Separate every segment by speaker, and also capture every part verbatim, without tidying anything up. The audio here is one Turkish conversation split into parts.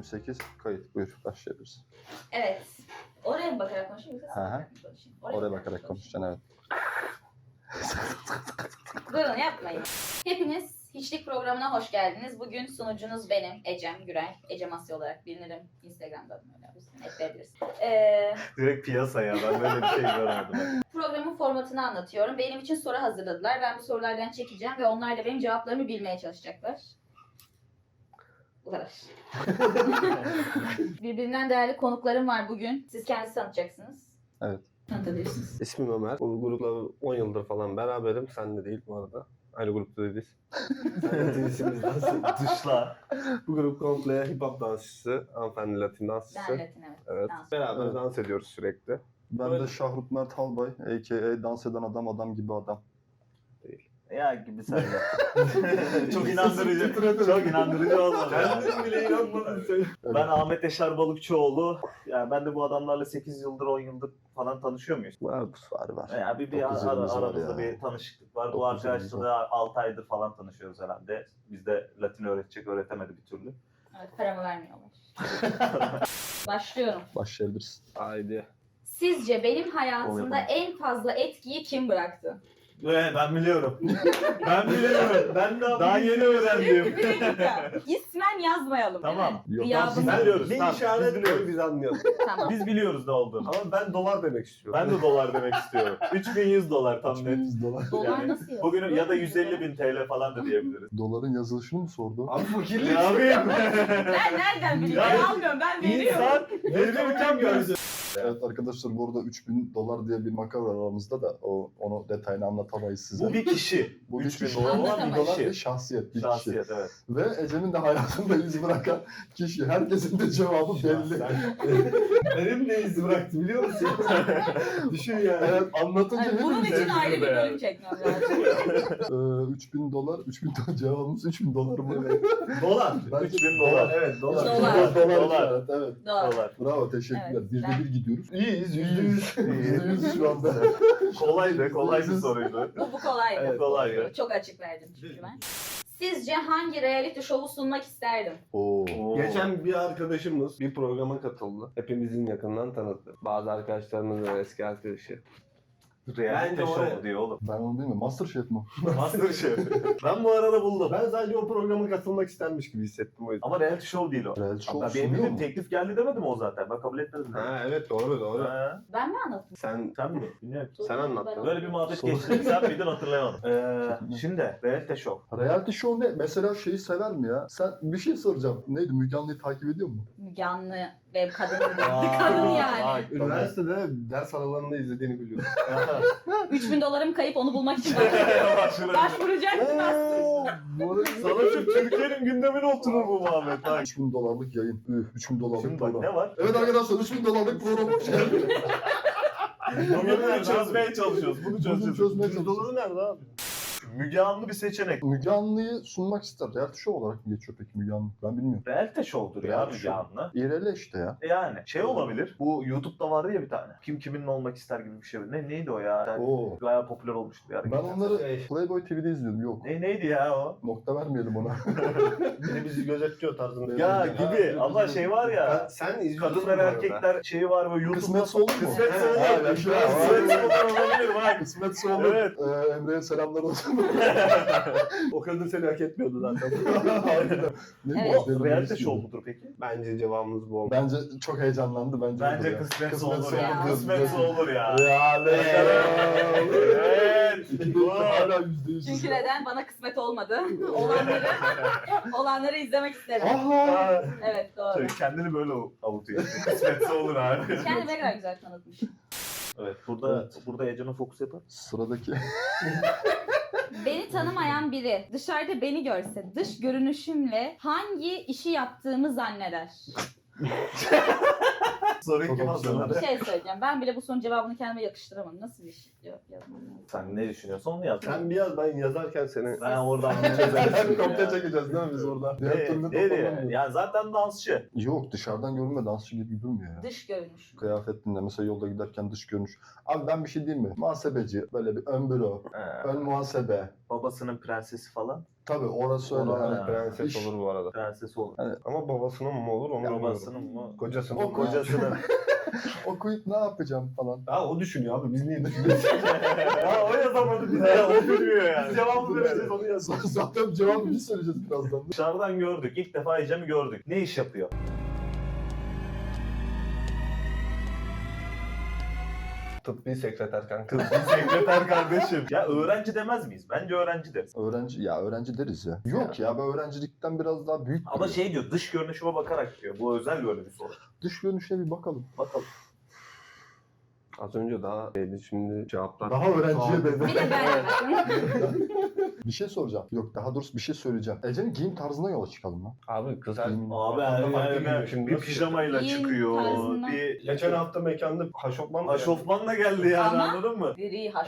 Speaker 1: sekiz kayıt. Buyur başlayabiliriz.
Speaker 2: Evet. Oraya mı bakarak konuşayım yoksa
Speaker 1: Hı hı.
Speaker 2: bakarak konuşayım? Oraya,
Speaker 1: Oraya bakarak konuşacaksın, evet.
Speaker 2: Durun yapmayın. Hepiniz Hiçlik programına hoş geldiniz. Bugün sunucunuz benim Ecem Gürel. Ecem Asya olarak bilinirim. Instagram'da adım öyle. Ekleyebiliriz. Ee,
Speaker 3: Direkt piyasaya ben böyle bir şey görmedim.
Speaker 2: programın formatını anlatıyorum. Benim için soru hazırladılar. Ben bu sorulardan çekeceğim ve onlar da benim cevaplarımı bilmeye çalışacaklar. Bu kadar. Birbirinden değerli konuklarım var bugün. Siz kendinizi tanıtacaksınız.
Speaker 1: Evet.
Speaker 2: Tanıtabilirsiniz.
Speaker 4: İsmim Ömer. Bu grupla on yıldır falan beraberim. Sen de değil bu arada. Aynı grupta değiliz. Sen de Twitch'imizdensin.
Speaker 3: Dışla.
Speaker 4: Bu grup komple hip hop dansçısı, hanımefendi Latin dansçısı.
Speaker 2: Ben Latin evet.
Speaker 4: Evet.
Speaker 2: Dans.
Speaker 4: Beraber
Speaker 1: Evet.
Speaker 4: dans ediyoruz sürekli.
Speaker 1: Ben
Speaker 4: Böyle.
Speaker 1: de Şahrut Mert Halbay, a k a dans eden adam, adam gibi adam.
Speaker 3: Ya gibi sen de. Çok inandırıcı. Çok inandırıcı olmadı.
Speaker 4: Kendin bile inanmadın sen.
Speaker 3: Ben Ahmet Yaşar Balıkçıoğlu. Yani ben de bu adamlarla sekiz yıldır on yıldır falan tanışıyor muyuz?
Speaker 4: Vardır.
Speaker 1: Var var.
Speaker 3: Yani bir, bir
Speaker 1: Dokuz
Speaker 3: ara,
Speaker 1: yılımız var
Speaker 3: aramızda
Speaker 1: ya.
Speaker 3: bir tanışıklık var. Bu
Speaker 1: Dokuz
Speaker 3: arkadaşla
Speaker 1: yılımız
Speaker 3: da altı aydır falan tanışıyoruz herhalde. Bizde Latin öğretecek, öğretemedi bir türlü.
Speaker 2: Evet, paramı vermiyorlar. Başlıyorum.
Speaker 1: Başlayabiliriz.
Speaker 4: Haydi.
Speaker 2: Sizce benim
Speaker 4: Onu
Speaker 2: hayatımda
Speaker 4: yapalım.
Speaker 2: en fazla etkiyi kim bıraktı?
Speaker 3: Evet ben biliyorum. ben biliyorum. Ben de daha yeni öğrendim.
Speaker 2: Bir dakika. İsmen yazmayalım.
Speaker 3: Tamam.
Speaker 1: Yok,
Speaker 2: Gıyabını-
Speaker 3: Biz biliyoruz.
Speaker 4: Ne
Speaker 3: Tamam,
Speaker 4: işaret
Speaker 3: biz biliyoruz.
Speaker 4: koy biz anlayalım.
Speaker 2: Tamam.
Speaker 3: Biz biliyoruz ne olduğunu.
Speaker 4: Ama ben dolar demek istiyorum.
Speaker 3: Ben de dolar demek istiyorum. üç bin yüz dolar tam net.
Speaker 1: yüz dolar.
Speaker 2: Dolar
Speaker 3: Yani
Speaker 2: nasıl yazıyor?
Speaker 3: Bugün ya da yüz elli bin T L falan da diyebiliriz.
Speaker 1: Doların yazılışını mı sordu?
Speaker 4: Abi fakirlik.
Speaker 3: Ne yapayım?
Speaker 2: Ben nereden biliyorum?
Speaker 3: Ya,
Speaker 2: Ben almıyorum. Ben veriyorum.
Speaker 3: İnsan verirken görecek.
Speaker 1: Evet arkadaşlar, bu arada üç bin dolar diye bir makara var aramızda da o onu detayını anlatamayız size.
Speaker 3: Bu bir kişi.
Speaker 1: Bu bir
Speaker 3: üç bin
Speaker 1: kişi.
Speaker 3: dolar olan bir
Speaker 2: Anlatamayız.
Speaker 1: dolar bir
Speaker 3: kişi.
Speaker 1: şahsiyet, bir
Speaker 3: Şahsiyet
Speaker 1: kişi.
Speaker 3: evet.
Speaker 1: Ve Ecem'in de hayatında iz bırakan kişi. Herkesin de cevabı belli.
Speaker 4: Benim de iz bıraktı biliyor musun? Düşün yani.
Speaker 1: Evet, anlatınca
Speaker 2: Yani bunun
Speaker 1: hepimiz
Speaker 2: için ayrı bir bölüm çekmem lazım.
Speaker 1: Ee, üç bin dolar, üç bin dolar cevabımız üç bin dolar mı?
Speaker 3: Dolar.
Speaker 1: Bence
Speaker 3: üç bin dolar.
Speaker 4: Evet dolar.
Speaker 2: Dolar.
Speaker 1: Dolar,
Speaker 3: Dolar.
Speaker 1: evet, evet.
Speaker 2: Doğru.
Speaker 3: Dolar.
Speaker 1: Bravo, teşekkürler.
Speaker 2: Evet,
Speaker 1: Birde
Speaker 2: ben-
Speaker 1: bir gidiyoruz.
Speaker 4: İyiyiz yüzde yüz.
Speaker 1: Yüzde yüz şu anda.
Speaker 3: Kolay be, kolay bir soruydu.
Speaker 2: Bu, bu kolaydı.
Speaker 3: Evet, kolay.
Speaker 2: Çok açık verdim çünkü ben. Sizce hangi reality show'u sunmak isterdim?
Speaker 1: Oo.
Speaker 4: Geçen bir arkadaşımız bir programa katıldı. Hepimizin yakından tanıdı. Bazı arkadaşlarımızın eski arkadaşı.
Speaker 3: Reality
Speaker 4: Bence
Speaker 3: show
Speaker 4: oraya-
Speaker 3: diyor oğlum.
Speaker 1: Ben onu bilmiyorum. Masterchef mi?
Speaker 3: Masterchef. Ben bu arada buldum.
Speaker 4: Ben sadece o programa katılmak istermiş gibi hissettim o yüzden.
Speaker 3: Ama reality show değil o.
Speaker 1: Reality show
Speaker 3: Hatta benim
Speaker 1: sunuyor
Speaker 3: bildiğim
Speaker 1: mu?
Speaker 3: teklif geldi demedim o zaten. Ben kabul etmedim.
Speaker 4: Ha evet doğru doğru.
Speaker 3: Ha,
Speaker 2: Ben mi anlattım?
Speaker 4: Sen
Speaker 3: sen mi? Bilmiyorum.
Speaker 4: Sen anlattın.
Speaker 3: Böyle bir muhabbet
Speaker 1: Sonra-
Speaker 3: geçti. Sen miydin hatırlayamadım. Ee, şimdi reality show.
Speaker 1: Reality show ne? Mesela şeyi sever mi ya? Sen bir şey soracağım. Neydi? Müge Anlı'yı takip ediyor musun?
Speaker 2: Müge Anlı ve kadın.
Speaker 3: Aa,
Speaker 2: kadın yani.
Speaker 3: Bak,
Speaker 4: üniversitede ders aralarında izlediğini biliyorum.
Speaker 2: üç bin dolarım kayıp onu bulmak için
Speaker 3: Başvuracağım.
Speaker 2: başvuracaktım aslında.
Speaker 3: Sana şu Türkiye'nin gündemine oturur bu muhabbet. Bak.
Speaker 1: üç bin dolarlık yayın. Üh, üç bin dolarlık
Speaker 3: Şimdi bak
Speaker 1: program.
Speaker 3: ne var?
Speaker 1: Evet arkadaşlar, üç bin dolarlık program hoş geldin.
Speaker 3: Bugün bunu çözmeye çalışıyoruz. Bunu
Speaker 1: Bugün
Speaker 3: çözeceğiz.
Speaker 1: çözmeye
Speaker 3: yüz doları nerede abi? Müge Anlı bir seçenek.
Speaker 1: Müge Anlı'yı sunmak ister. Reality show olarak mı geçiyor peki Müge Anlı? Ben bilmiyorum.
Speaker 3: Reality show'dur ya
Speaker 1: Reality
Speaker 3: Müge
Speaker 1: show.
Speaker 3: Anlı.
Speaker 1: İrele işte ya.
Speaker 3: Yani şey olabilir. Bu YouTube'da vardı ya bir tane. Kim kiminle olmak ister gibi bir şey. Ne neydi o ya? Yani
Speaker 1: Oo.
Speaker 3: bayağı popüler olmuştu bir ara.
Speaker 1: Ben onları
Speaker 4: Şey.
Speaker 1: Playboy T V'de izliyordum. Yok.
Speaker 3: Ne neydi ya o?
Speaker 1: Nokta vermeyelim ona.
Speaker 4: Biri bizi gözetliyor tarzında.
Speaker 3: Ya
Speaker 4: Yani.
Speaker 3: gibi ama şey var ya.
Speaker 4: Ben- Sen izliyorsun
Speaker 3: Kadınlar
Speaker 4: bu arada.
Speaker 3: erkekler şeyi var böyle YouTube'da.
Speaker 1: Kısmetse olur mu?
Speaker 3: Kısmetse olur.
Speaker 1: Ha, yaşa.
Speaker 3: Kısmetse olur olabilir bak.
Speaker 1: Kısmetse olur.
Speaker 3: Evet.
Speaker 1: Ee, Emre'ye selamlar olsun.
Speaker 4: O kadın seni hak etmiyordu zaten.
Speaker 1: Harbiden. Ne
Speaker 2: Evet.
Speaker 1: bu?
Speaker 3: O reality show mudur peki?
Speaker 4: Bence cevabımız bu olmalı.
Speaker 1: Bence çok heyecanlandı. Bence,
Speaker 3: Bence
Speaker 1: olur ya.
Speaker 3: kısmetse
Speaker 1: Kısmetse
Speaker 3: olur ya.
Speaker 2: olur.
Speaker 3: Kısmetse olur ya.
Speaker 1: Yani.
Speaker 3: Evet.
Speaker 1: Hala yüzde yüz.
Speaker 2: Çünkü neden? Bana kısmet olmadı. Olanları olanları izlemek isterim.
Speaker 1: Aha.
Speaker 2: Evet doğru.
Speaker 3: Kendini böyle avutuyor. Kısmetse olur abi.
Speaker 2: Kendimi ne kadar güzel tanıtmış.
Speaker 3: Evet burada
Speaker 1: Evet.
Speaker 3: burada Ecem'e fokus yapar.
Speaker 1: Sıradaki.
Speaker 2: Beni tanımayan biri dışarıda beni görse dış görünüşümle hangi işi yaptığımı zanneder?
Speaker 3: Soruyu
Speaker 1: Çok
Speaker 3: kim
Speaker 1: opsiyonel.
Speaker 3: hazırladı?
Speaker 2: Bir şey söyleyeceğim. Ben bile bu sorunun cevabını kendime yakıştıramadım. Nasıl bir şey yok yazmam lazım.
Speaker 3: Sen ne düşünüyorsun onu yaz.
Speaker 4: Sen bir yaz, ben yazarken seni...
Speaker 3: Ben oradan bir
Speaker 1: Sen
Speaker 3: çözerim.
Speaker 1: kopya çekeceğiz değil mi biz orada? Diğer
Speaker 3: Ne,
Speaker 1: türlü
Speaker 3: ne diye?
Speaker 1: toparlanmıyor.
Speaker 3: Yani zaten dansçı.
Speaker 1: Yok dışarıdan görünme dansçı gibi durmuyor ya.
Speaker 2: Dış görünüş.
Speaker 1: Kıyafetinde mesela yolda giderken dış görünüş. Abi ben bir şey diyeyim mi? Muhasebeci böyle bir ön büro,
Speaker 3: He.
Speaker 1: ön muhasebe.
Speaker 3: Babasının prensesi falan.
Speaker 1: Tabii orası öyle.
Speaker 4: Ona
Speaker 1: Hani
Speaker 4: prenses
Speaker 1: iş-
Speaker 4: olur bu arada.
Speaker 3: Prensesi olur.
Speaker 4: Ama babasının mı olur onu bilmiyorum.
Speaker 3: Babasının mı?
Speaker 4: Kocasının
Speaker 1: O
Speaker 4: mı?
Speaker 3: Kocasının.
Speaker 1: okuyup ne yapacağım falan.
Speaker 4: Ha o düşünüyor abi, biz niye düşünüyoruz?
Speaker 3: Ya o yazamadı bize. O bilmiyor yani. Biz cevabı vereceğiz onu yaz.
Speaker 1: Zaten cevabı biz söyleyeceğiz birazdan.
Speaker 3: Dışarıdan gördük. İlk defa Ecem'i gördük. Ne iş yapıyor?
Speaker 4: Tıbbi sekreter kanka.
Speaker 3: Sekreter kardeşim. Ya öğrenci demez miyiz? Bence öğrenci deriz.
Speaker 1: Öğrenci ya öğrenci deriz ya. Yok ya ben öğrencilikten biraz daha büyük.
Speaker 3: Ama
Speaker 1: duruyor.
Speaker 3: şey diyor, dış görünüşüme bakarak diyor. Bu özel böyle bir soru.
Speaker 1: Dış görünüşe bir bakalım.
Speaker 3: Bakalım.
Speaker 4: Az önce daha şeydi, şimdi cevaplar.
Speaker 1: Daha öğrenciye
Speaker 4: Tamam.
Speaker 1: benzer.
Speaker 2: Bir de ben
Speaker 1: Bir şey soracağım. Yok daha doğrusu bir şey söyleyeceğim. Ece'nin giyim tarzına yola çıkalım lan.
Speaker 4: Abi kız her...
Speaker 1: Giyim-
Speaker 3: Abi
Speaker 4: Farklı farklı
Speaker 3: yani
Speaker 4: giyiniyor. Şimdi
Speaker 3: bir
Speaker 4: nasıl-
Speaker 3: pijamayla
Speaker 2: Giyim
Speaker 3: çıkıyor.
Speaker 2: tarzından-
Speaker 3: Bir
Speaker 4: Geçen hafta mekanda haşofman
Speaker 3: aşofmanla geldi yani
Speaker 2: Ama-
Speaker 3: anladın mı?
Speaker 2: Diri haşlı.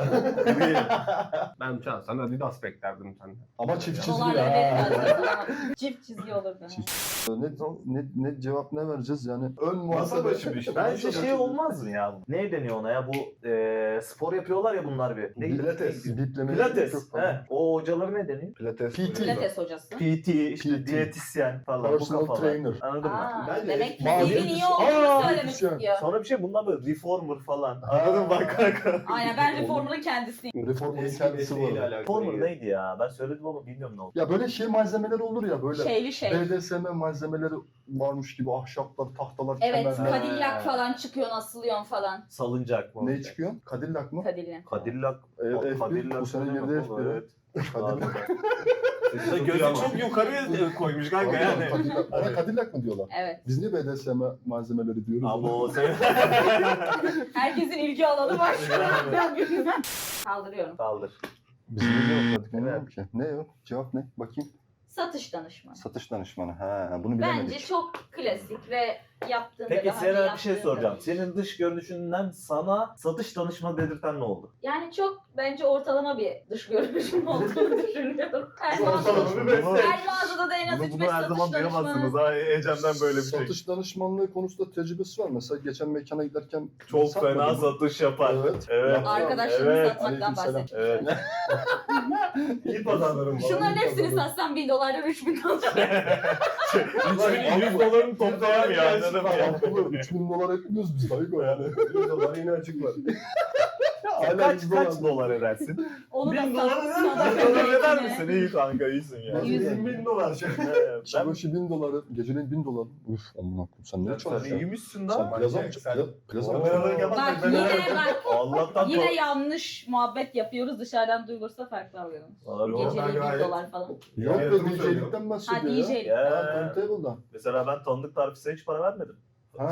Speaker 4: Ben şahsen Adidas beklerdim senden.
Speaker 1: Ama çift çizgi
Speaker 2: Dolarla
Speaker 1: ya.
Speaker 2: verilmez. Çift çizgi olurdu.
Speaker 1: Ne, ne, ne cevap ne vereceğiz yani? Ön muhasebe.
Speaker 4: başı bir şey.
Speaker 3: Bence şey olmaz mı ya? Ne deniyor ona ya? Bu e, spor yapıyorlar ya bunlar bir. Ne?
Speaker 1: Pilates. Bipleme.
Speaker 3: Pilates. He. O hocaları ne deniyor?
Speaker 4: Pilates.
Speaker 1: P T.
Speaker 2: Pilates hocası.
Speaker 3: P T, işte
Speaker 1: P T.
Speaker 3: diyetisyen falan bu
Speaker 1: Personal
Speaker 3: kafalar.
Speaker 1: trainer.
Speaker 3: Anladın mı?
Speaker 2: Aa,
Speaker 4: Bence
Speaker 2: demek ki
Speaker 1: mavi
Speaker 2: dilin
Speaker 1: elbise-
Speaker 2: iyi olduğunu
Speaker 3: Aa,
Speaker 2: söylemek
Speaker 1: elbise.
Speaker 2: istiyor.
Speaker 3: Sonra bir şey bunlar böyle reformer falan. Anladın mı? Bak kanka.
Speaker 2: Aynen ben reformer'ın kendisiyim.
Speaker 1: Reformer'ın kendisi var.
Speaker 3: Reformer neydi ya? Ben söyledim ama bilmiyorum ne oldu.
Speaker 1: Ya böyle şey malzemeler olur ya böyle.
Speaker 2: Şeyli şey.
Speaker 1: B D S M malzemeleri varmış gibi ahşaplar, tahtalar,
Speaker 2: Evet,
Speaker 1: kemerler.
Speaker 2: Cadillac falan çıkıyorsun, asılıyorsun falan.
Speaker 3: Salıncak mı?
Speaker 1: Ne çıkıyor? Cadillac mı?
Speaker 2: Cadillac.
Speaker 3: Cadillac.
Speaker 1: E, F bir,
Speaker 3: Cadillac
Speaker 1: bu sene
Speaker 3: ne
Speaker 1: girdi
Speaker 3: demek
Speaker 1: F
Speaker 3: oğlum?
Speaker 1: bir.
Speaker 3: Evet.
Speaker 1: Cadillac.
Speaker 3: Gözü gözü çok yukarıya koymuş kanka yani.
Speaker 1: Cadillac. Ona Cadillac mı diyorlar?
Speaker 2: Evet.
Speaker 1: Biz niye B D S M malzemeleri diyoruz?
Speaker 3: Ama o sen...
Speaker 2: Herkesin ilgi alanı var şu an. Kaldırıyorum.
Speaker 3: Kaldır.
Speaker 1: Biz ne cevapladık
Speaker 3: Evet.
Speaker 1: bilmiyorum ki. Ne o? Cevap ne? Bakayım.
Speaker 2: Satış danışmanı.
Speaker 1: Satış danışmanı. Ha, bunu bilemedik.
Speaker 2: Bence çok klasik ve yaptığında
Speaker 3: Peki
Speaker 2: daha önce
Speaker 3: sana bir şey
Speaker 2: yaptığında-
Speaker 3: soracağım. Senin dış görünüşünden sana satış danışmanı dedirten ne oldu?
Speaker 2: Yani çok bence ortalama bir dış görünüşüm olduğunu düşünüyorum. Her mağazada,
Speaker 3: Ortalama bir meslek.
Speaker 2: her mağazada da en az üç beş satış danışmanı.
Speaker 3: ha Ecem'den böyle
Speaker 1: Satış danışmanlığı konusunda tecrübesi var. Mesela geçen mekana giderken
Speaker 3: Çok
Speaker 1: satmadım.
Speaker 3: fena satış yapar.
Speaker 1: Evet.
Speaker 3: Evet.
Speaker 1: Yaptı.
Speaker 2: Arkadaşlarını
Speaker 3: Evet,
Speaker 2: satmaktan
Speaker 1: aleykümselam.
Speaker 2: bahsediyorum.
Speaker 3: Evet.
Speaker 4: İyi pazarlarım var.
Speaker 2: Şunların hepsini satsam bin dolardan üç bin dolar.
Speaker 3: üç bin yüz dolarını toplayamıyor anladın mı ya?
Speaker 1: üç bin dolar etmiyoruz biz dayı yani.
Speaker 4: yüz dolar yine açık var.
Speaker 1: Hala
Speaker 3: Kaç
Speaker 1: yüz
Speaker 3: kaç
Speaker 1: dolar.
Speaker 3: dolar edersin?
Speaker 2: Onu da
Speaker 3: bin dolar
Speaker 2: satsın.
Speaker 3: eder misin? eder misin? İyi kanka iyisin ya.
Speaker 1: Yüz
Speaker 3: Evet,
Speaker 4: bin dolar.
Speaker 3: ben
Speaker 1: Çabaşı bin doları, geceliğin bin dolar. Uf aman akım sen ne
Speaker 3: sen
Speaker 1: çalışıyorsun?
Speaker 3: iyiymişsin
Speaker 1: Sen
Speaker 3: lan.
Speaker 1: plaza mı
Speaker 4: Sen-
Speaker 1: çıktın? Plaza mı
Speaker 4: Kameraları
Speaker 1: çıktın?
Speaker 4: kapat.
Speaker 2: Bak
Speaker 4: Ben
Speaker 2: yine
Speaker 4: öyle-
Speaker 2: bak.
Speaker 3: Allah'tan
Speaker 2: Yine
Speaker 3: kork.
Speaker 2: yanlış muhabbet yapıyoruz. Dışarıdan duyulursa farklı alıyoruz.
Speaker 3: Abi,
Speaker 4: Yok,
Speaker 2: Geceliği
Speaker 4: ben
Speaker 2: bin
Speaker 4: gayet-
Speaker 2: dolar falan.
Speaker 1: Yok
Speaker 4: Ya,
Speaker 1: be
Speaker 4: yatırım
Speaker 1: D J'likten
Speaker 2: Ha
Speaker 1: bahsediyor
Speaker 2: D
Speaker 1: ya.
Speaker 2: J'lik.
Speaker 3: Ya.
Speaker 1: Ha turntable'dan.
Speaker 3: Mesela ben tanıdık tarifesine hiç para vermedim.
Speaker 1: Ha.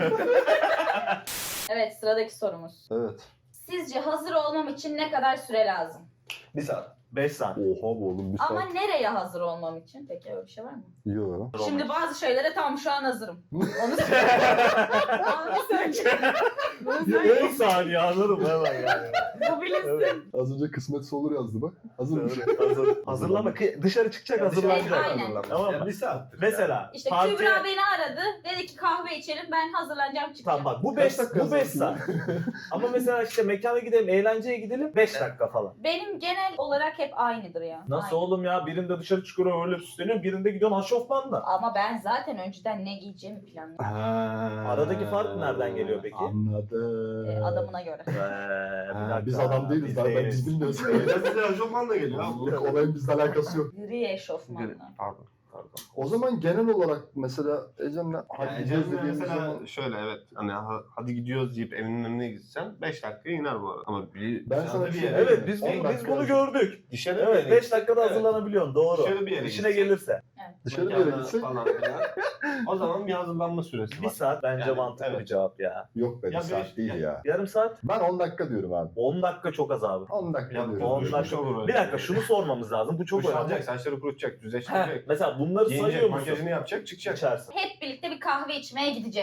Speaker 2: Evet sıradaki sorumuz.
Speaker 1: Evet.
Speaker 2: Sizce hazır olmam için ne kadar süre lazım?
Speaker 4: Bir saat.
Speaker 3: beş saat.
Speaker 1: Oha bu oğlum bir
Speaker 2: Ama
Speaker 1: saat.
Speaker 2: nereye hazır olmam için? Peki öyle bir şey var mı?
Speaker 1: Yo.
Speaker 2: Şimdi bazı şeylere tam şu an hazırım. Onu söyleyeyim. Onu söyleyeceğim. Bunu söyleyeyim.
Speaker 3: on saniye anladım hemen yani.
Speaker 2: Bu bilinsin.
Speaker 3: Evet.
Speaker 1: Az önce kısmetse olur yazdı bak. Hazırmış.
Speaker 3: Hazır. Hazırlama. Kı- Dışarı çıkacak hazırlanacak.
Speaker 2: Aynen.
Speaker 3: Tamam
Speaker 4: Ya
Speaker 3: mı?
Speaker 4: bir saat.
Speaker 3: Mesela.
Speaker 2: İşte
Speaker 3: parti-
Speaker 2: Kübra beni aradı. Dedi ki kahve içelim. Ben hazırlanacağım çıkacağım.
Speaker 3: Tamam bak bu
Speaker 1: Kaç
Speaker 3: beş
Speaker 1: dakika
Speaker 3: bu beş saat.
Speaker 1: hazırsın?
Speaker 3: Ama mesela işte mekana gidelim, eğlenceye gidelim beş dakika falan.
Speaker 2: Benim genel olarak hep aynıdır ya.
Speaker 3: Nasıl
Speaker 2: Aynı.
Speaker 3: oğlum ya? Birinde dışarı çıkıyor öyle süsleniyor, birinde gidiyorsun aşofmanla.
Speaker 2: Ama ben zaten önceden ne giyeceğimi planlıyorum.
Speaker 3: Aradaki fark nereden geliyor peki?
Speaker 1: Anladım.
Speaker 2: Ee, adamına göre.
Speaker 3: Ee, bir
Speaker 1: Ha,
Speaker 3: dakika.
Speaker 1: biz adam değiliz daha ben
Speaker 3: değiliz.
Speaker 1: biz bilmiyoruz.
Speaker 4: Biraz bize aşofmanla geliyor abi.
Speaker 1: Yok, olayın bizle alakası yok.
Speaker 2: Gri eşofmanla.
Speaker 4: Pardon. Pardon.
Speaker 1: O zaman genel olarak mesela Ecem'le hadi
Speaker 4: Yani
Speaker 1: gidiyoruz
Speaker 4: Cem'le
Speaker 1: dediğimiz
Speaker 4: mesela
Speaker 1: zaman
Speaker 4: şöyle evet hani ha- hadi gidiyoruz deyip evinin önüne gitsen beş dakika iner bu arada. Ama bir
Speaker 1: Ben
Speaker 4: dışarıda
Speaker 1: sana bir
Speaker 4: bir
Speaker 1: şey
Speaker 4: yere-
Speaker 3: Evet biz,
Speaker 1: on
Speaker 3: biz
Speaker 1: dakika
Speaker 3: bunu
Speaker 1: yazın.
Speaker 3: gördük.
Speaker 4: dışarı
Speaker 3: Evet
Speaker 4: bir
Speaker 3: beş
Speaker 4: yere
Speaker 3: dakikada
Speaker 4: Evet.
Speaker 3: hazırlanabiliyorsun doğru.
Speaker 4: Dışarı bir yere
Speaker 3: İşine
Speaker 4: gitsen.
Speaker 3: gelirse.
Speaker 1: dışarı bir yere
Speaker 4: Mekana
Speaker 1: gitsek
Speaker 4: falan filan. O zaman bir hazırlanma süresi
Speaker 3: Bir
Speaker 4: var.
Speaker 3: saat bence
Speaker 4: Yani,
Speaker 3: mantıklı
Speaker 4: evet.
Speaker 3: bir cevap ya.
Speaker 1: yok be bir
Speaker 4: Ya
Speaker 1: saat
Speaker 4: beş-
Speaker 1: değil
Speaker 4: ya-
Speaker 1: ya.
Speaker 3: Yarım saat?
Speaker 1: Ben on dakika diyorum abi.
Speaker 3: on dakika çok az abi.
Speaker 1: on dakika
Speaker 4: Ya,
Speaker 1: diyorum.
Speaker 3: on
Speaker 4: düşmüş
Speaker 3: dakika.
Speaker 4: olur öyle.
Speaker 3: Bir dakika şunu sormamız lazım. Bu çok
Speaker 4: Duş
Speaker 3: önemli.
Speaker 4: alacak, saçları kurutacak,
Speaker 3: Heh,
Speaker 4: düzleştirecek.
Speaker 3: mesela bunları
Speaker 4: Giyinecek,
Speaker 3: sayıyor musun?
Speaker 4: makyajını yapacak, çıkacak.
Speaker 3: İçersin.
Speaker 2: Hep birlikte bir kahve içmeye gideceğiz.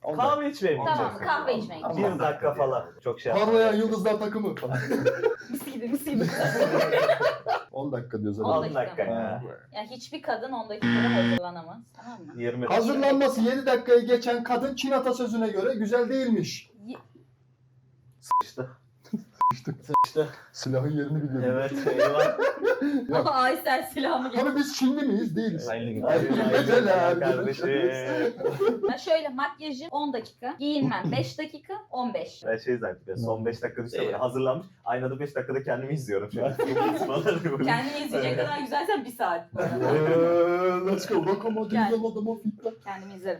Speaker 1: on dakika.
Speaker 3: Kahve içmeye mi
Speaker 2: Tamam
Speaker 3: gideceksin?
Speaker 2: kahve içmeye
Speaker 1: Tamam.
Speaker 2: gidiyoruz.
Speaker 3: Bir dakika falan. Çok şey yapma.
Speaker 1: Parlayan yıldızlar takımı falan.
Speaker 2: Mis gibi mis gibi.
Speaker 1: on dakika diyoruz
Speaker 2: On
Speaker 1: hadi.
Speaker 3: on
Speaker 2: dakika
Speaker 3: dakika
Speaker 2: mı?
Speaker 3: ya.
Speaker 2: Yani hiçbir kadın on dakikada hazırlanamaz. Tamam mı?
Speaker 3: yirmi
Speaker 1: Hazırlanması yedi dakikayı geçen kadın Çin atasözüne göre güzel değilmiş.
Speaker 2: Y-
Speaker 3: işte.
Speaker 1: Silahın yerini biliyorum.
Speaker 3: Evet. Eyvah.
Speaker 1: Yok.
Speaker 2: Aysel silahımı getir.
Speaker 1: Tabii biz Çinli miyiz? Değiliz.
Speaker 3: Aynı gün.
Speaker 1: Güzel abi.
Speaker 3: Kardeşim.
Speaker 2: Ben şöyle makyajım on dakika, giyinmem beş dakika, on beş.
Speaker 3: Ben şey zannettim. Son beş dakika düşse böyle
Speaker 4: İyi.
Speaker 3: hazırlanmış. Aynada beş dakikada kendimi izliyorum şu an.
Speaker 2: Kendini izleyecek kadar güzelsen bir saat.
Speaker 1: Eee, let's go. Lokomotiv
Speaker 2: Gel.
Speaker 1: yolladama fitla.
Speaker 2: Kendimi izlerim.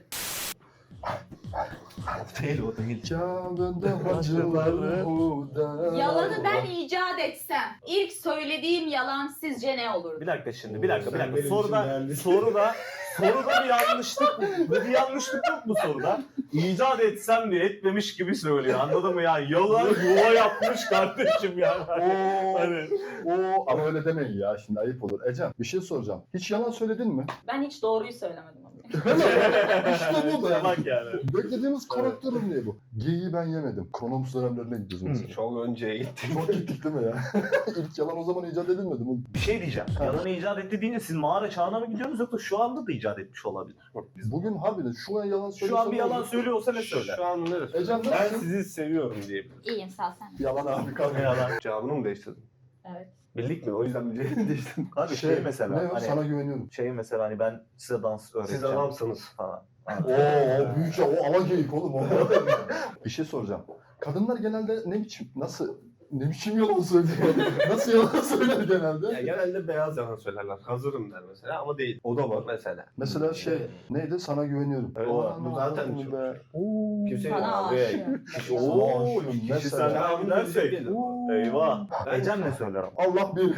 Speaker 3: Değil o değil.
Speaker 1: Kâbında hacılar huda.
Speaker 2: Yalanı ben icat etsem, ilk söylediğim yalan sizce ne olurdu?
Speaker 3: Bir dakika şimdi, bir dakika, bir
Speaker 4: Sen
Speaker 3: dakika.
Speaker 4: benim
Speaker 3: Soruda,
Speaker 4: için geldin.
Speaker 3: soruda, soruda bir yanlışlık, bir yanlışlık yok mu soruda? İcat etsem diye etmemiş gibi söylüyor. Anladın mı ya? Yalan yuva yapmış kardeşim yani.
Speaker 1: Oo,
Speaker 3: Hani
Speaker 1: oo, ama öyle demeyin ya, şimdi ayıp olur. Ecem, bir şey soracağım. Hiç yalan söyledin mi?
Speaker 2: Ben hiç doğruyu söylemedim. Abi.
Speaker 1: İşte bu da.
Speaker 3: bak yani.
Speaker 1: Beklediğimiz karakter örneği bu. Geyiği ben yemedim. Kronomus dönemlerine gidiyoruz mesela.
Speaker 4: Çok önceye gittik.
Speaker 1: Çok gittik değil mi ya? İlk yalan o zaman icat edilmedi mi?
Speaker 3: Bir şey diyeceğim.
Speaker 1: Ha.
Speaker 3: Yalanı icat etti deyince siz mağara çağına mı gidiyorsunuz yoksa şu anda da icat etmiş olabilir.
Speaker 1: Bugün harbiden şu an yalan söylüyorsa...
Speaker 3: Şu an bir
Speaker 1: ne
Speaker 3: yalan
Speaker 1: olur?
Speaker 3: söylüyor olsa ne söyler?
Speaker 4: Şu an neresi?
Speaker 1: Ecem
Speaker 4: Ben
Speaker 1: nasılsın?
Speaker 4: sizi seviyorum diyebilirim.
Speaker 2: İyiyim sağ ol sen.
Speaker 1: Yalan abi kanka.
Speaker 3: Ne yalan?
Speaker 4: Cevabını mı değiştirdin?
Speaker 2: Evet.
Speaker 4: Bildik mi? O yüzden bir cevabını değiştirdim.
Speaker 3: Abi şey, mesela
Speaker 1: Ne o?
Speaker 3: hani
Speaker 1: Sana güveniyorum.
Speaker 3: şey mesela hani ben size dans öğreteceğim.
Speaker 4: Siz adamsınız.
Speaker 3: falan.
Speaker 1: Oo, o büyük ya, o ala geyik oğlum o. Bir şey soracağım. Kadınlar genelde ne biçim, nasıl, ne biçim yalan söylüyor? Nasıl yalan söyler genelde?
Speaker 4: Ya genelde beyaz yalan söylerler. Hazırım der mesela ama değil.
Speaker 1: O da var.
Speaker 4: Mesela.
Speaker 1: Mesela şey, neydi? Sana güveniyorum.
Speaker 4: Evet,
Speaker 1: Aa,
Speaker 4: bu
Speaker 1: ne
Speaker 4: zaten
Speaker 1: yaptın
Speaker 4: çok-
Speaker 1: be? Oo.
Speaker 4: Kimse
Speaker 2: Sana
Speaker 3: abi.
Speaker 2: aşığım.
Speaker 3: Oo,
Speaker 1: Aşığım,
Speaker 3: kişisel
Speaker 1: mesela.
Speaker 3: devam edersek.
Speaker 1: Oo.
Speaker 3: Eyvah.
Speaker 4: Ben-
Speaker 3: Ecem ne söyler ama?
Speaker 1: Allah bir.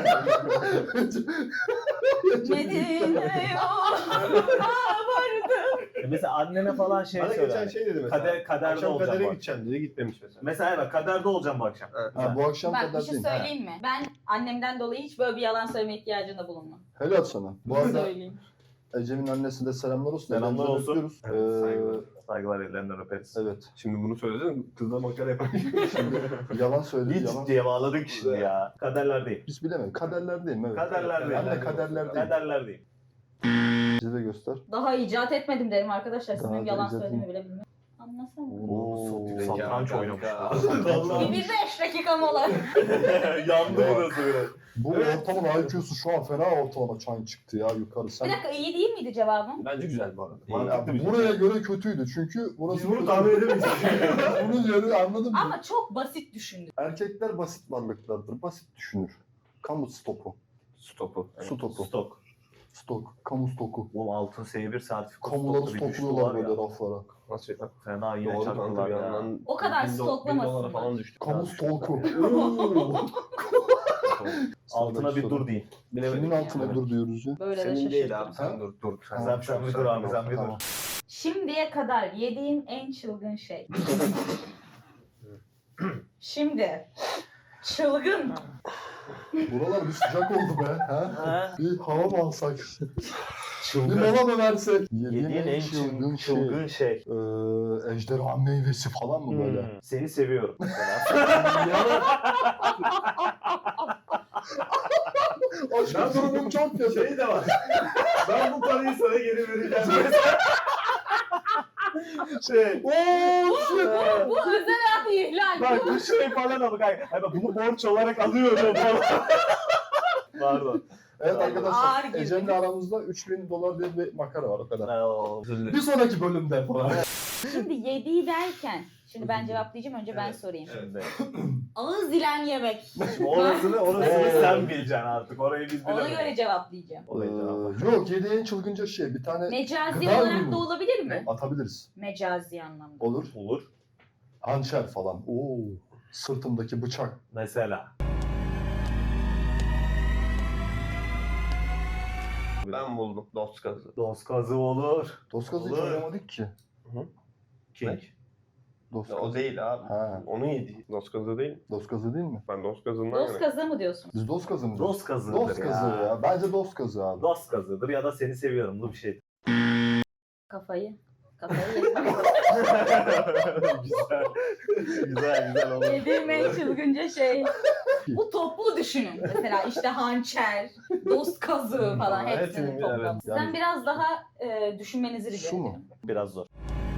Speaker 2: Medine'ye vardım.
Speaker 3: E mesela annene falan şey
Speaker 4: Bana geçen
Speaker 3: söyler.
Speaker 4: şey dedi mesela.
Speaker 3: Kader- kaderde
Speaker 4: Akşam
Speaker 3: olacağım
Speaker 4: kadere
Speaker 3: bak.
Speaker 4: gideceğim dedi, gitmemiş mesela.
Speaker 3: Mesela evet kaderde olacağım bu akşam.
Speaker 4: Evet.
Speaker 1: Ha, bu akşam
Speaker 2: Bak bir
Speaker 1: kadar
Speaker 2: şey
Speaker 1: değil.
Speaker 2: söyleyeyim mi? Ben annemden dolayı hiç böyle bir yalan söyleme ihtiyacında bulunmam.
Speaker 1: Helal sana. Bu arada
Speaker 2: Söyleyeyim.
Speaker 1: Ecem'in annesine de selamlar olsun.
Speaker 3: Selamlar
Speaker 1: Ellerinden
Speaker 3: olsun.
Speaker 1: öpüyoruz.
Speaker 4: Evet,
Speaker 1: Ee,
Speaker 4: saygılar.
Speaker 3: Saygılar ellerinden öperiz.
Speaker 1: evet.
Speaker 4: Şimdi bunu söyledin, kızla makara yapar.
Speaker 1: Yalan söyledi.
Speaker 3: Hiç
Speaker 1: Yalan.
Speaker 3: diye bağladık şimdi ya. Kaderlerdeyim.
Speaker 1: Biz bilemeyiz. Kaderlerdeyim evet.
Speaker 3: Kaderlerdeyim.
Speaker 1: Ben de kaderlerdeyim.
Speaker 3: Kaderlerdeyim.
Speaker 1: Bize de göster.
Speaker 2: Daha icat etmedim derim arkadaşlar. Sizin
Speaker 1: Daha
Speaker 2: benim
Speaker 1: da
Speaker 2: yalan
Speaker 1: icat
Speaker 2: söylediğimi
Speaker 1: etmedim.
Speaker 2: bile bilmiyorum. Anlasana.
Speaker 1: Oo.
Speaker 3: Satranç oynamış.
Speaker 1: Vallahi.
Speaker 2: Bir, bir beş dakika mola.
Speaker 3: Yandı burası biraz.
Speaker 1: Bu ortalama I Q'su şu an fena ortalama çan çıktı ya yukarı. Sen...
Speaker 2: Bir dakika iyi değil miydi cevabım?
Speaker 4: Bence güzel bu arada.
Speaker 3: Mantıklı bir şey.
Speaker 1: Buraya göre kötüydü çünkü burası...
Speaker 3: Biz bunu tahmin edemeyiz.
Speaker 1: Bunun yeri anladın mı?
Speaker 2: Ama çok basit düşündüm.
Speaker 1: Erkekler basit varlıklardır. Basit düşünür. Kamu stopu.
Speaker 4: Stopu.
Speaker 1: Su topu.
Speaker 3: Stok.
Speaker 1: Stok. Kamu stoku.
Speaker 3: Oğlum altın S bir sertifikası
Speaker 1: Kamuları
Speaker 3: stoklu bir düştü
Speaker 1: stokluyorlar
Speaker 3: var
Speaker 1: böyle
Speaker 3: ya.
Speaker 1: raflara.
Speaker 4: Nasıl ya?
Speaker 3: Fena yine
Speaker 4: Doğru kanka
Speaker 3: çaktılar
Speaker 4: bir
Speaker 3: ya.
Speaker 4: yandan.
Speaker 2: O kadar
Speaker 4: bin do-
Speaker 2: stoklamasınlar.
Speaker 4: bin dolara falan düştü.
Speaker 1: Kamu stoku.
Speaker 3: Altına bir dur deyin.
Speaker 1: Kimin altına dur diyoruz ya?
Speaker 2: Böyle de
Speaker 4: Senin
Speaker 2: şaşırdım.
Speaker 4: değil abi sen dur dur.
Speaker 1: Tamam,
Speaker 3: Sen, sen bir dur abi sen bir
Speaker 1: Tamam.
Speaker 3: dur.
Speaker 2: Şimdiye kadar yediğim en çılgın şey. Şimdi. Çılgın mı?
Speaker 1: Buralar bir sıcak oldu be. Ha?
Speaker 3: Ha?
Speaker 1: Bir hava mı alsak? Bir
Speaker 3: Çılgın.
Speaker 1: mola mı versek?
Speaker 3: Yediğin en çılgın, çılgın şey.
Speaker 1: Ee, ejderha meyvesi falan mı böyle?
Speaker 3: Hmm, Seni seviyorum.
Speaker 1: Aşkım durumum çok kötü.
Speaker 3: Şey de var. Ben bu parayı sana geri vereceğim. şey.
Speaker 1: Ooo shit.
Speaker 2: Bu özel hayat ihlal.
Speaker 3: Bak bu şey falan ama kanka. Hani bak bunu borç olarak alıyorum falan. Pardon.
Speaker 1: Evet
Speaker 2: Ağır
Speaker 1: arkadaşlar
Speaker 2: girdin.
Speaker 1: Ecem'le aramızda üç bin dolar diye bir makara var o kadar.
Speaker 3: Oo.
Speaker 1: Bir sonraki bölümde falan.
Speaker 2: Şimdi yediği derken. Şimdi ben cevaplayacağım önce ben sorayım.
Speaker 3: Şimdi.
Speaker 2: Ağız dilen yemek.
Speaker 3: Şimdi orasını, orasını
Speaker 1: Oo.
Speaker 3: sen bileceksin artık. Orayı biz
Speaker 2: Ona
Speaker 3: bilemeyiz.
Speaker 2: göre cevaplayacağım.
Speaker 1: Ee,
Speaker 3: Orayı cevap.
Speaker 1: yok yediği en çılgınca şey bir tane
Speaker 2: Mecazi
Speaker 1: Gıda
Speaker 2: olarak
Speaker 1: ürünü.
Speaker 2: da olabilir mi?
Speaker 1: atabiliriz.
Speaker 2: Mecazi anlamda.
Speaker 1: Olur.
Speaker 3: Olur.
Speaker 1: Hançer falan. Oo. Sırtımdaki bıçak.
Speaker 3: Mesela.
Speaker 4: Ben buldum. Dost kazı.
Speaker 3: Dost kazı olur.
Speaker 1: Doskazı hiç
Speaker 3: Olur.
Speaker 1: oynamadık ki.
Speaker 3: King.
Speaker 1: Dost
Speaker 4: Ya, o değil abi.
Speaker 1: Ha.
Speaker 4: Onu yedi. Dost kazı değil.
Speaker 1: Doskazı değil mi?
Speaker 4: Ben dost kazından
Speaker 2: Dost
Speaker 4: yanayım.
Speaker 2: kazı mı diyorsun?
Speaker 1: Biz dost kazı mı?
Speaker 3: Dost kazıdır
Speaker 1: Dost
Speaker 3: ya.
Speaker 1: kazı ya. Bence dost kazı abi.
Speaker 3: Dost kazıdır ya da seni seviyorumlu bir şey.
Speaker 2: Kafayı Kafayı yedim.
Speaker 3: güzel. Güzel güzel oldu.
Speaker 2: Yediğim en çılgınca şey. Bu toplu düşünün. Mesela işte hançer, dost kazığı falan
Speaker 4: Evet,
Speaker 2: hepsinin
Speaker 4: evet,
Speaker 2: toplamı. Sizden
Speaker 1: yani-
Speaker 2: biraz daha e, düşünmenizi rica
Speaker 1: Şu mu?
Speaker 2: ediyorum.
Speaker 3: Biraz zor.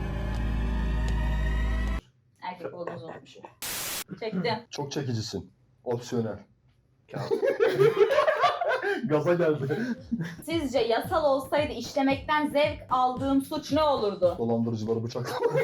Speaker 2: Erkek olduğunuzu unutmuşum. Çektim.
Speaker 1: Çok çekicisin. Opsiyonel. Gaza geldi.
Speaker 2: Sizce yasal olsaydı işlemekten zevk aldığım suç ne olurdu?
Speaker 1: Dolandırıcıları bıçaklamak.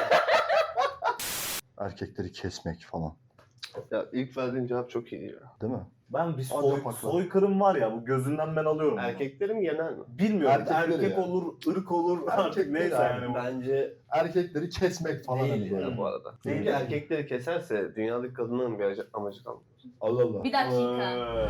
Speaker 1: Erkekleri kesmek falan.
Speaker 4: Ya ilk verdiğin cevap çok iyi ya.
Speaker 1: Değil mi?
Speaker 3: Ben bir
Speaker 1: Acayip
Speaker 3: soy,
Speaker 1: haklı.
Speaker 3: soykırım var ya bu gözünden ben alıyorum.
Speaker 4: Erkeklerin genel mi?
Speaker 3: Bilmiyorum.
Speaker 1: Erkekleri
Speaker 3: Erkek
Speaker 1: ya.
Speaker 3: olur, ırk olur artık
Speaker 1: Erkekleri
Speaker 3: neyse
Speaker 1: abi.
Speaker 3: yani. bu.
Speaker 4: Bence
Speaker 1: Erkekleri kesmek falan hani
Speaker 4: değil
Speaker 1: böyle.
Speaker 4: ya bu arada.
Speaker 3: Değil.
Speaker 4: Çünkü erkekleri keserse dünyadaki kadınların bir amacı kalmaz.
Speaker 1: Allah Allah.
Speaker 2: Bir dakika.
Speaker 3: Ee,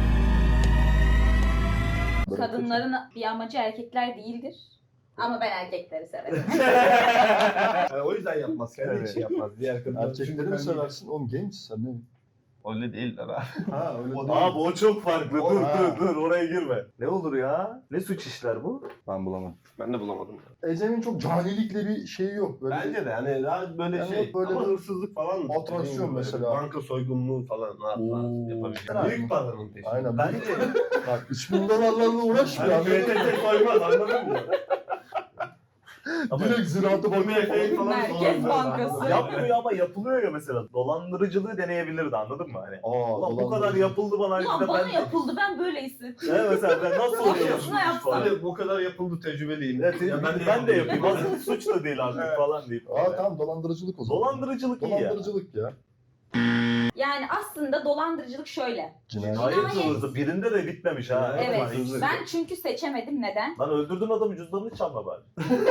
Speaker 1: Böyle
Speaker 2: Kadınların bir amacı erkekler değildir. Ama ben erkekleri severim.
Speaker 4: Yani o yüzden yapmaz. Kendi
Speaker 3: Evet.
Speaker 4: için yapmaz. Diğer kadınlar.
Speaker 1: Erkekleri mi seversin? Oğlum genç sen ne?
Speaker 4: Öyle değil de ben.
Speaker 1: Ha öyle değil.
Speaker 3: Abi o çok farklı.
Speaker 1: O-
Speaker 3: dur
Speaker 1: ha.
Speaker 3: dur dur oraya girme. Ne olur ya? Ne suç işler bu?
Speaker 1: Ben bulamam.
Speaker 4: Ben de bulamadım. Ya.
Speaker 1: Ecem'in çok canilikle bir şeyi yok. Böyle
Speaker 4: Bence de hani daha böyle
Speaker 1: Yani
Speaker 4: şey
Speaker 1: böyle
Speaker 4: ama
Speaker 1: bir
Speaker 4: hırsızlık falan mı?
Speaker 1: atrasyon
Speaker 4: Dediğim gibi böyle
Speaker 1: mesela.
Speaker 4: Banka soygunluğu falan rahat rahat
Speaker 1: Oo.
Speaker 4: yapabilir. Büyük paranın peşinde.
Speaker 1: Aynen.
Speaker 3: Bence
Speaker 1: Bak üç bin dolarlarla uğraşmıyor.
Speaker 3: yani
Speaker 1: anladın mı?
Speaker 3: P T T soymaz anladın mı? Ama
Speaker 1: Direkt ziraatı bakıyor
Speaker 4: Fake
Speaker 1: falan.
Speaker 4: falan
Speaker 2: Merkez
Speaker 4: soruyorlar.
Speaker 2: Bankası.
Speaker 3: yapmıyor ama yapılıyor ya mesela. Dolandırıcılığı deneyebilirdi anladın mı? Hani
Speaker 1: Aa,
Speaker 3: ulan bu kadar
Speaker 1: dolandırıcı.
Speaker 3: yapıldı bana.
Speaker 2: Ulan
Speaker 3: bir de
Speaker 2: bana
Speaker 3: ben...
Speaker 2: yapıldı ben böyle hissettim.
Speaker 3: Evet mesela ben nasıl oluyor?
Speaker 2: Başkasına yapsam.
Speaker 4: Hani bu kadar yapıldı tecrübeliyim.
Speaker 3: Evet,
Speaker 4: Ya
Speaker 3: ben, ben de yapayım. Aslında suç da değil artık
Speaker 4: Evet.
Speaker 3: falan deyip.
Speaker 1: Aa tamam dolandırıcılık o zaman.
Speaker 3: Dolandırıcılık iyi ya.
Speaker 1: Dolandırıcılık ya.
Speaker 2: Yani aslında dolandırıcılık şöyle.
Speaker 1: Cinayet.
Speaker 3: Hayır
Speaker 2: Cinayet.
Speaker 3: hızlı. Birinde de bitmemiş ha.
Speaker 2: Evet.
Speaker 3: Lan hızlı.
Speaker 2: Ben çünkü seçemedim. Neden?
Speaker 3: Lan öldürdün adamı cüzdanını çalma bari.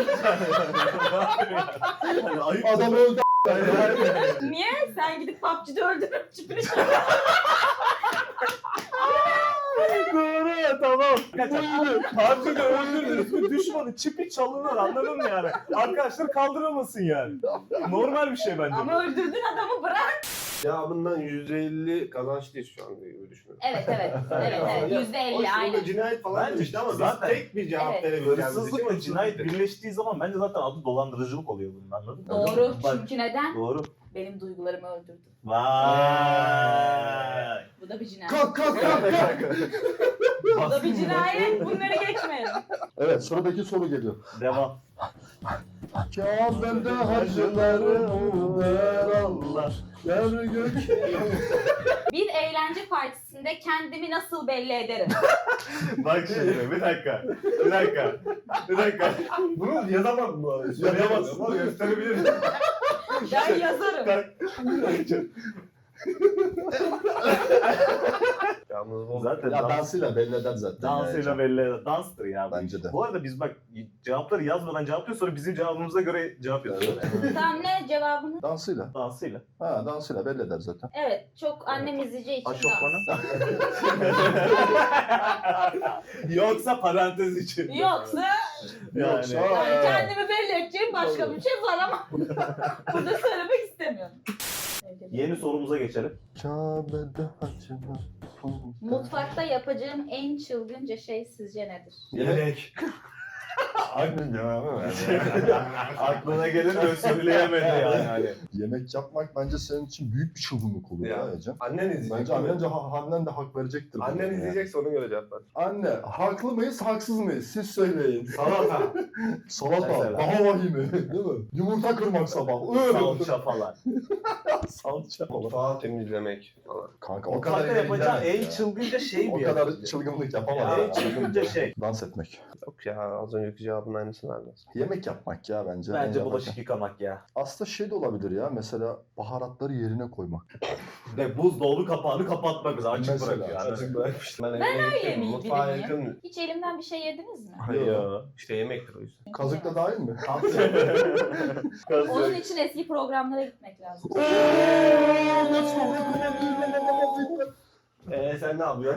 Speaker 3: yani ayıp.
Speaker 1: Adam öldü.
Speaker 2: Niye? Sen gidip P U B G'de öldürüp çipini
Speaker 3: Doğru tamam. Harcı da öldürdünüz mü düşmanı çipi çalınır anladın mı yani? Arkadaşlar kaldıramasın yani. Normal bir şey bence.
Speaker 2: Ama öldürdün adamı bırak.
Speaker 4: Cevabından yüzde elli kazançlıyız şu an gibi düşünüyorum.
Speaker 2: Evet evet. Evet evet.
Speaker 4: Ya,
Speaker 2: Yüzde
Speaker 4: hoş,
Speaker 2: elli
Speaker 4: burada
Speaker 2: aynen.
Speaker 4: cinayet falan
Speaker 3: Bence
Speaker 4: demişti ama biz
Speaker 3: zaten-
Speaker 4: tek bir cevap
Speaker 2: Evet.
Speaker 4: verebileceğimiz için
Speaker 3: Hırsızlıkla cinayet
Speaker 4: hırsızlık.
Speaker 3: birleştiği zaman bence zaten adı dolandırıcılık oluyor bunun anladın mı?
Speaker 2: Doğru.
Speaker 3: Bak,
Speaker 2: Çünkü neden?
Speaker 3: Doğru.
Speaker 2: Benim duygularımı öldürdü.
Speaker 3: Vay.
Speaker 2: Bu da bir cinayet.
Speaker 1: Kalk kalk kalk kalk.
Speaker 2: Bu da bir cinayet. Bunları geçmeyelim.
Speaker 1: Evet sıradaki soru geliyor.
Speaker 3: Devam.
Speaker 1: Kabe'de hacılarım der Allah. Yer gök.
Speaker 2: Bir eğlence partisinde kendimi nasıl belli ederim?
Speaker 3: Bak şimdi bir dakika. Bir dakika. Bir dakika.
Speaker 4: Bunu yazamam mı?
Speaker 3: Yazamazsın.
Speaker 4: Ama gösterebilirim.
Speaker 2: Ben yazarım.
Speaker 4: Yalnız bu
Speaker 3: Zaten
Speaker 1: Ya
Speaker 3: dans,
Speaker 1: dansıyla belli eder zaten.
Speaker 3: dansıyla
Speaker 1: yani.
Speaker 3: belli eder. Danstır ya. bu
Speaker 1: Bence
Speaker 3: iş.
Speaker 1: de.
Speaker 3: Bu arada biz bak cevapları yazmadan cevaplıyor sonra bizim cevabımıza göre cevap yazıyor.
Speaker 2: Tamam ne cevabını?
Speaker 1: Dansıyla.
Speaker 3: Dansıyla.
Speaker 1: Ha dansıyla belli eder zaten.
Speaker 2: Evet. Çok annem izleyeceği için
Speaker 3: Aşofmanı.
Speaker 2: dans.
Speaker 3: Yoksa parantez için.
Speaker 2: Yoksa
Speaker 3: Yani.
Speaker 1: Yoksa-
Speaker 2: yani kendimi belli edeceğim başka bir şey var ama burada söylemek istemiyorum.
Speaker 3: Yeni sorumuza geçelim.
Speaker 1: Kabe'de hacılar.
Speaker 2: Mutfakta yapacağım en çılgınca şey sizce nedir?
Speaker 4: Yemek.
Speaker 1: Aynen ya.
Speaker 3: Aklına gelir de söyleyemedi yani. Hani.
Speaker 1: Yemek yapmak bence senin için büyük bir çılgınlık olur ya,
Speaker 4: Ya.
Speaker 1: Ecem.
Speaker 4: Annen izleyecek.
Speaker 1: Bence annen de, annen de hak verecektir. buna
Speaker 4: Annen
Speaker 1: ya.
Speaker 4: izleyecekse ona göre cevap ver.
Speaker 1: Anne, haklı mıyız, haksız mıyız? Siz söyleyin.
Speaker 4: Salata.
Speaker 1: Salata,
Speaker 3: Mesela.
Speaker 1: daha vahimi, değil mi? Yumurta kırmak sabah.
Speaker 3: Salça falan.
Speaker 1: Salça falan.
Speaker 4: Mutfağı temizlemek falan.
Speaker 1: Kanka o
Speaker 3: Mutfakta
Speaker 1: kadar
Speaker 3: yapacağı
Speaker 1: eğlenceli
Speaker 3: en
Speaker 1: ya.
Speaker 3: çılgınca şey
Speaker 1: O
Speaker 3: bir
Speaker 1: kadar
Speaker 3: ya.
Speaker 1: çılgınlık yapamaz.
Speaker 3: Ya,
Speaker 1: ya.
Speaker 3: en çılgınca şey.
Speaker 1: Dans etmek.
Speaker 4: Yok ya az önceki cevabın aynısını vermez.
Speaker 1: Yemek yapmak ya bence.
Speaker 3: Bence
Speaker 1: En
Speaker 3: bulaşık
Speaker 1: yaparken.
Speaker 3: yıkamak ya.
Speaker 1: Aslında şey de olabilir ya. Mesela baharatları yerine koymak.
Speaker 3: Ve buzdolabı kapağını kapatmak mesela açık
Speaker 1: Mesela,
Speaker 3: bırakıyor. Yani.
Speaker 4: Açık bırakmıştım. Ben,
Speaker 2: Ben
Speaker 4: evine
Speaker 2: öyle
Speaker 4: gittim,
Speaker 2: miyim,
Speaker 4: mutfağa
Speaker 2: biriyim ya?
Speaker 4: yakın.
Speaker 2: Hiç elimden bir şey yediniz mi?
Speaker 3: Hayır.
Speaker 4: İşte yemektir o yüzden.
Speaker 1: Kazık da dahil mi?
Speaker 2: Onun için eski programlara gitmek lazım.
Speaker 4: Eee sen ne yapıyorsun?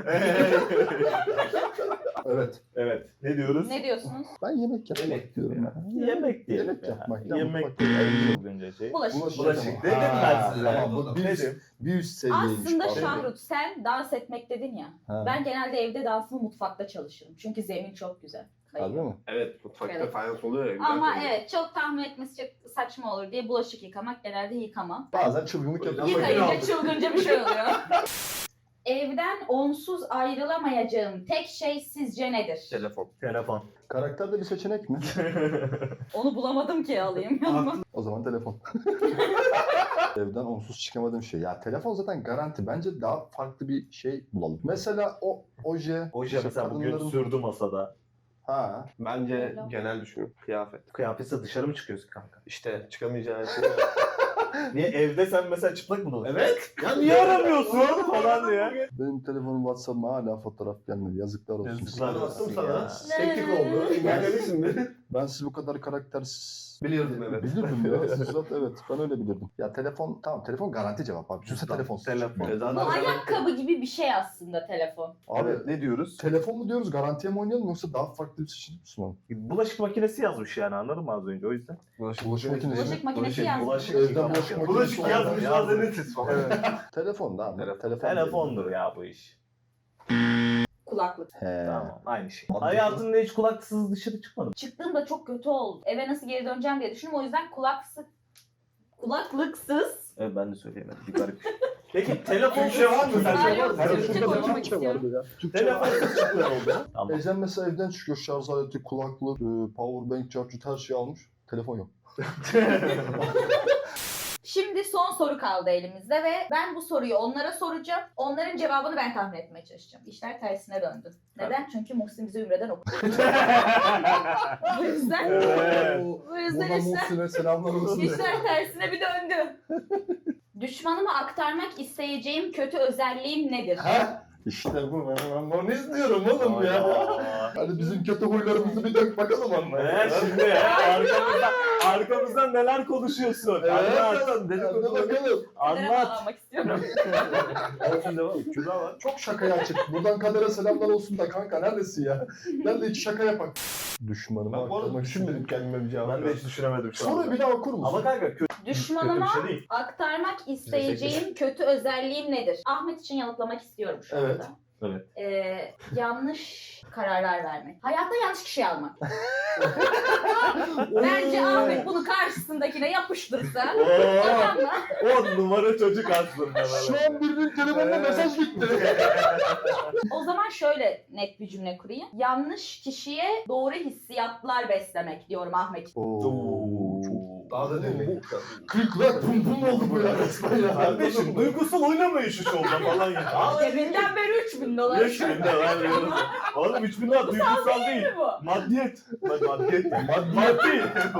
Speaker 1: Evet.
Speaker 3: Evet. Ne diyoruz?
Speaker 2: Ne diyorsunuz?
Speaker 1: Ben yemek yapmak
Speaker 4: Yemek
Speaker 1: diyorum ya.
Speaker 3: Yemek diyelim.
Speaker 1: Yemek
Speaker 3: ya.
Speaker 1: yapmak. Ya,
Speaker 3: Yemek
Speaker 1: mutfak
Speaker 3: diyelim.
Speaker 1: yemek.
Speaker 3: En çılgınca şey.
Speaker 2: Bulaşık.
Speaker 1: Bulaşık.
Speaker 3: Bulaşık dedim
Speaker 1: Ha,
Speaker 3: ben size.
Speaker 1: tamam, bu bir üst,
Speaker 3: Dedim.
Speaker 1: bir üst seviyeymiş.
Speaker 2: Aslında
Speaker 1: falan.
Speaker 2: Şahrut sen dans etmek dedin ya.
Speaker 1: Ha.
Speaker 2: Ben genelde evde dansımı mutfakta çalışırım. Çünkü zemin çok güzel. kayıyor.
Speaker 1: mi?
Speaker 4: Evet, mutfakta
Speaker 2: Evet.
Speaker 4: fayans oluyor ya. güzel
Speaker 2: Ama
Speaker 4: kokuyor.
Speaker 2: evet çok tahmin etmesi çok saçma olur diye bulaşık yıkamak genelde yıkama.
Speaker 1: Bazen çılgınlık yapıyor.
Speaker 4: Ama
Speaker 2: Yıkayınca
Speaker 4: yine
Speaker 2: çılgınca bir şey oluyor. Evden onsuz ayrılamayacağım tek şey sizce nedir?
Speaker 4: Telefon.
Speaker 3: Telefon.
Speaker 1: Karakterde bir seçenek mi?
Speaker 2: Onu bulamadım ki alayım yanıma.
Speaker 1: O zaman telefon. Evden onsuz çıkamadığım şey. Ya telefon zaten garanti. Bence daha farklı bir şey bulalım. Mesela o oje.
Speaker 3: Oje
Speaker 1: işte
Speaker 3: mesela bugün
Speaker 1: kadınların-
Speaker 3: sürdü masada.
Speaker 1: Ha.
Speaker 4: Bence
Speaker 2: Öyle.
Speaker 4: genel düşün. Kıyafet.
Speaker 3: Kıyafetse dışarı mı çıkıyorsun kanka?
Speaker 4: İşte çıkamayacağın şey.
Speaker 3: Niye evde sen mesela çıplak mı dolaşıyorsun?
Speaker 4: Evet.
Speaker 3: Ya niye aramıyorsun falan diye.
Speaker 1: Benim telefonum WhatsApp'ıma hala fotoğraf gelmedi. Yazıklar olsun.
Speaker 3: Yazıklar
Speaker 4: Ben
Speaker 3: olsun
Speaker 4: attım
Speaker 3: ya.
Speaker 4: sana. Teknik oldu. İnanabilirsin mi?
Speaker 1: Ben sizi bu kadar karaktersiz...
Speaker 4: Bilirdim, evet.
Speaker 1: Bilirdim ya. Siz zaten evet. Ben öyle bilirdim. Ya telefon tamam telefon garanti cevap abi. Düşünsene telefon.
Speaker 3: Telefon.
Speaker 4: E zaten
Speaker 2: Bu ayakkabı gibi bir şey aslında telefon.
Speaker 1: Abi
Speaker 4: Evet, ne diyoruz?
Speaker 1: telefon mu diyoruz garantiye mi oynayalım yoksa daha farklı bir seçenek mi sunalım?
Speaker 3: Bulaşık makinesi yazmış yani anladın mı az önce o yüzden.
Speaker 1: Bulaşık makinesi.
Speaker 2: Bulaşık makinesi yazmış.
Speaker 3: bulaşık
Speaker 1: Evden
Speaker 3: yıkamak
Speaker 1: bulaşık
Speaker 3: ya.
Speaker 1: makinesi
Speaker 3: Bulaşık
Speaker 1: var.
Speaker 3: yazmış
Speaker 4: Yazmış.
Speaker 3: mazeretiz falan.
Speaker 1: Telefon da abi.
Speaker 4: Telefon.
Speaker 1: Telefon
Speaker 3: Telefondur ya bu iş.
Speaker 2: Kulaklık.
Speaker 1: He.
Speaker 3: Tamam aynı şey.
Speaker 1: Mantıklı.
Speaker 3: Hayatında hiç kulaksız dışarı çıkmadın.
Speaker 2: Çıktığımda çok kötü oldu. Eve nasıl geri döneceğim diye düşündüm. O yüzden kulaksız, kulaklıksız.
Speaker 3: Evet ben de söyleyemedim. Bir garip. Peki telefon
Speaker 4: Türkçe var mı?
Speaker 2: Aa,
Speaker 4: Sence
Speaker 2: yok,
Speaker 4: var mı?
Speaker 2: Türkçe konuşmak istiyorum.
Speaker 3: Telefonsuz çıkıyor oldu. Tamam.
Speaker 1: Ecem mesela evden çıkıyor şarj aleti, kulaklık, e, power bank, charger her şeyi almış. Telefon yok.
Speaker 2: Şimdi son soru kaldı elimizde ve ben bu soruyu onlara soracağım. Onların cevabını ben tahmin etmeye çalışacağım. İşler tersine döndü. Neden? Çünkü Muhsin bize Ümre'den okudu. Bu yüzden,
Speaker 3: Evet.
Speaker 2: bu yüzden
Speaker 1: Buradan
Speaker 2: işler,
Speaker 1: Muhsin'e selamlar olsun.
Speaker 2: işler tersine bir döndü. Düşmanıma aktarmak isteyeceğim kötü özelliğim nedir?
Speaker 1: Ha? İşte bu. Ben, ben onu izliyorum oğlum ya.
Speaker 3: Aa.
Speaker 1: Hadi bizim kötü huylarımızı bir dök bakalım anla.
Speaker 3: Evet şimdi ya, arkamızdan, arkamızdan neler konuşuyorsun?
Speaker 1: Evet.
Speaker 3: Anlat.
Speaker 1: Hadi bakalım.
Speaker 2: Kadere
Speaker 3: Anlat.
Speaker 2: bağlamak istiyorum.
Speaker 4: Olsun devam. Kübra var.
Speaker 1: Çok şakaya açık. Buradan kadere selamlar olsun da kanka neredesin ya? Gel de hiç şaka yapak. Düşmanıma
Speaker 4: Ben bu arada
Speaker 1: aktarmak
Speaker 4: düşünmedim
Speaker 1: istedim.
Speaker 4: kendime bir cevap.
Speaker 3: Ben de hiç düşünemedim şu
Speaker 1: Soruyu
Speaker 3: anda.
Speaker 1: bir daha okur musun?
Speaker 3: Ama kanka kötü,
Speaker 2: Düşmanıma
Speaker 3: kötü bir şey değil.
Speaker 2: aktarmak isteyeceğim kötü özelliğim nedir? Ahmet için yanıtlamak istiyorum şu
Speaker 1: Evet.
Speaker 2: anda.
Speaker 3: Evet.
Speaker 2: Ee, yanlış kararlar vermek. Hayatta yanlış kişi almak. Bence Ahmet bunu karşısındakine yapıştırsa
Speaker 3: Oo,
Speaker 2: tamam mı?
Speaker 3: on numara çocuk aslında.
Speaker 1: Şu an birinin telefonuna mesaj gitti.
Speaker 2: O zaman şöyle net bir cümle kurayım. Yanlış kişiye doğru hissiyatlar beslemek diyorum Ahmet için.
Speaker 1: Oo, çok
Speaker 4: Daha da demek.
Speaker 1: kırıklar bum bum oldu bu ya resmen ya.
Speaker 3: Kardeşim duygusal oynamayın şu şovda falan ya. Aa,
Speaker 2: Cebinden beri üç bin dolar.
Speaker 3: üç bin de var veriyorum. Oğlum üç bin dolar duygusal değil.
Speaker 2: Değil mi bu?
Speaker 3: Maddiyet. Mad- Maddiyet. Mad Maddi.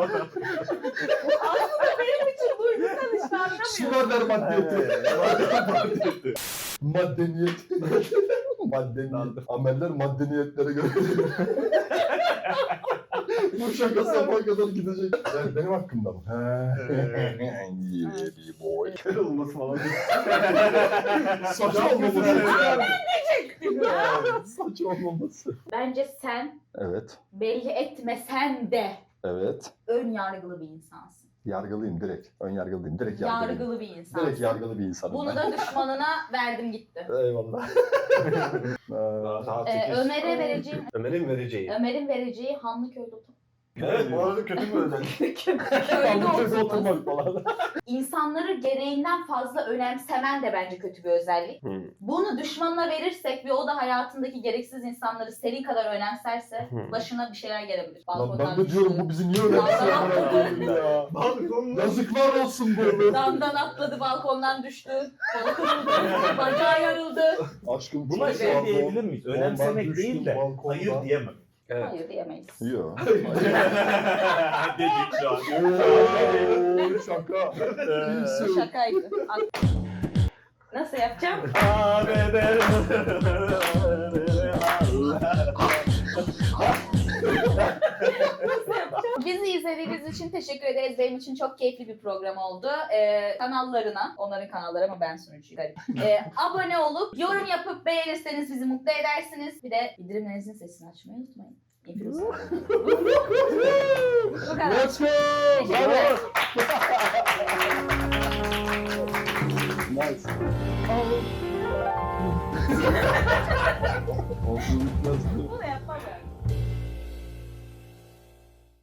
Speaker 2: Benim için duygusal işte anlamıyorum.
Speaker 1: Sümerler maddiyeti.
Speaker 3: Maddiyeti.
Speaker 1: Maddeniyet. Maddeniyet. Ameller maddeniyetlere göre. Bu şaka sabaha kadar gidecek. Yani benim hakkımda mı? He. Yeah, boy.
Speaker 3: Kör olması falan.
Speaker 1: Saç olmaması. Saç olmaması.
Speaker 2: Bence sen
Speaker 1: Evet.
Speaker 2: belli etmesen de
Speaker 1: Evet.
Speaker 2: ön yargılı bir insansın.
Speaker 1: Yargılıyım direkt. Ön yargılıyım. Direkt yargılıyım.
Speaker 2: Yargılı bir insansın.
Speaker 1: Direkt yargılı bir insanım
Speaker 2: Bunu
Speaker 1: ben.
Speaker 2: da düşmanına verdim gitti.
Speaker 1: Eyvallah.
Speaker 4: Daha,
Speaker 1: Ee,
Speaker 4: daha
Speaker 2: Ee,
Speaker 4: sekiz.
Speaker 2: Ömer'e vereceğim,
Speaker 4: Ömer'in vereceği.
Speaker 2: Ömer'in vereceği Hanlıköy'de oturmak.
Speaker 4: Evet bu arada kötü bir özellik.
Speaker 2: Köyde oturmak.
Speaker 1: oturmak falan.
Speaker 2: İnsanları gereğinden fazla önemsemen de bence kötü bir özellik.
Speaker 4: Hmm.
Speaker 2: Bunu düşmanına verirsek ve o da hayatındaki gereksiz insanları senin kadar önemserse
Speaker 4: Hmm.
Speaker 2: başına bir şeyler gelebilir.
Speaker 1: Lan ben de diyorum bu bizi niye önemsiyor?
Speaker 2: Balkondan
Speaker 1: ya. Yazıklar olsun bu.
Speaker 2: Damdan atladı, balkondan düştü. Kolu kırıldı, bacağı yarıldı.
Speaker 1: Aşkım
Speaker 3: Buna
Speaker 1: çok
Speaker 3: şey
Speaker 1: pardon.
Speaker 3: diyebilir miyiz? Önemsemek
Speaker 1: Ondan
Speaker 3: değil
Speaker 1: düştüm
Speaker 3: de
Speaker 1: balkondan.
Speaker 3: hayır diyemem.
Speaker 4: Evet.
Speaker 2: Hayır diyemeyiz.
Speaker 1: Yok.
Speaker 3: Dedik şu an.
Speaker 1: Oo, şaka. İyisin.
Speaker 2: Şakaydı. Nasıl yapacağım? Nasıl yapacağım? Bizi izlediğiniz için teşekkür ederiz. Benim için çok keyifli bir program oldu. Ee, kanallarına, onların kanalları ama ben sunucuyum. Garip. Ee, abone olup, yorum yapıp beğenirseniz bizi mutlu edersiniz. Bir de bildirimlerinizin sesini açmayı unutmayın. Hepiniz. Bu kadar.
Speaker 1: Let's go.
Speaker 2: Teşekkürler.
Speaker 1: Nice. Olsun.
Speaker 2: Bunu yapmam